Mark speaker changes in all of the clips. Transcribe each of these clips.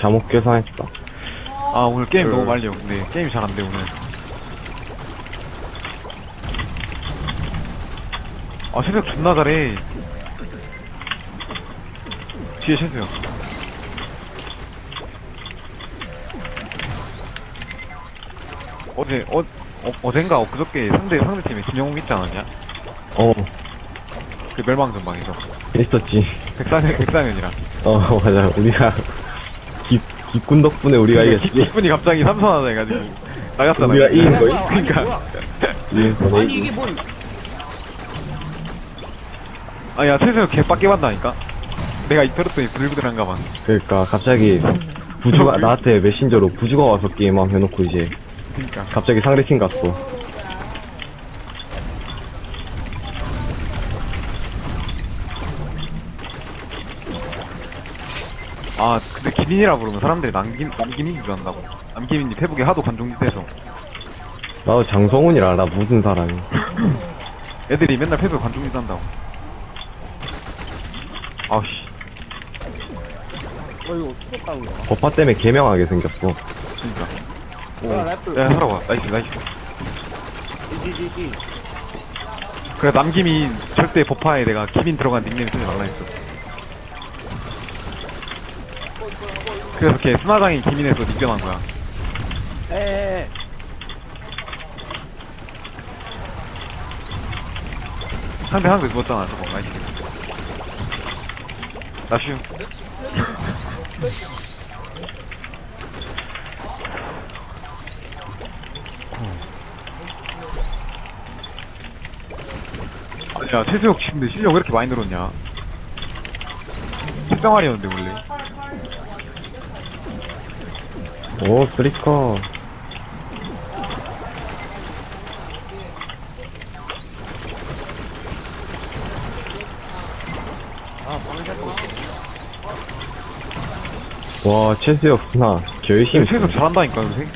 Speaker 1: 잘못 계산했다.
Speaker 2: 아 오늘 게임 너무 말려. 근데 게임이 잘 안 돼 오늘. 아 최수혁 존나 잘해. 뒤에 최수혁. 어젠가 엊그저께 상대팀에 김영웅 있지 않았냐? 그 멸망전방에서
Speaker 1: 있었지.
Speaker 2: 백상현이랑.
Speaker 1: 맞아. 우리가, 기꾼 덕분에 우리가 이겼지.
Speaker 2: 기분이 갑자기 삼선하자 해가지고 나갔잖아.
Speaker 1: 우리가 이긴 거임?
Speaker 2: 그니까.
Speaker 3: 아니 이게 뭔
Speaker 2: 아야 최수혁 개빡게 받다니까. 내가 이터렸더니 부들부들한가 봐.
Speaker 1: 그러니까, 갑자기, 부주가, 나한테 메신저로 부주가 와서 게임함 해놓고 이제,
Speaker 2: 그니까.
Speaker 1: 갑자기 상대팀 갔어.
Speaker 2: 아 근데 기린이라 부르면 사람들이 남기민인 줄 안다고. 남기민이 페북에 하도 관종짓해서
Speaker 1: 나도 장성훈이라 알아, 무슨 사람이.
Speaker 2: 애들이 맨날 페북에 관종짓 한다고. 아우씨.
Speaker 3: 이거 어떻게 거야?
Speaker 1: 버파 때문에 개명하게 생겼어.
Speaker 2: 진짜.
Speaker 3: 랩을
Speaker 2: 야 살아봐. 나이스.
Speaker 3: 디디디디
Speaker 2: 그래 남기민 절대 버파에 내가 기민 들어간 닉네임 쓰지 말라 했어. 그래서 걔 스나장이 기민에서 닉변한 거야.
Speaker 3: 에에에
Speaker 2: 상대 죽었잖아 저거. 나이스. 나슈. 야 최수혁 근데 실력 왜 이렇게 많이 늘었냐? 10병아리였는데 원래.
Speaker 1: 오, 쓰리커. 와, 최수혁 스나. 결심.
Speaker 2: 최수혁 잘한다니까 요새.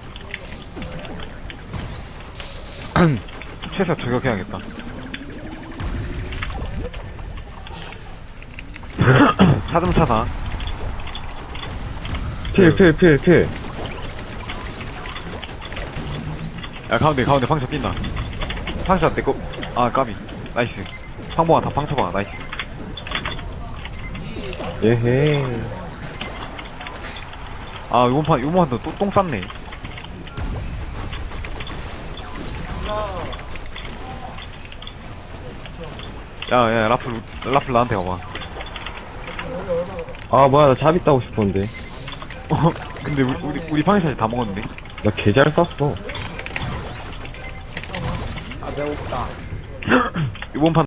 Speaker 2: 최수혁 저격해야겠다. 차듬차다.
Speaker 1: 필.
Speaker 2: 야 가운데 방쳐 뛴다. 방쳐 떼고. 아 까비. 나이스. 황봉아 다 방쳐봐. 나이스.
Speaker 1: 예헤.
Speaker 2: 아 요번판도 또 똥 쌌네. 야 라플 나한테 와봐.
Speaker 1: 아, 뭐야, 나 잡이 따고 싶었는데.
Speaker 2: 근데 우리 방샷이 다 먹었는데.
Speaker 1: 나 개 잘 쐈어.
Speaker 3: 아 배고프다
Speaker 2: 이번 판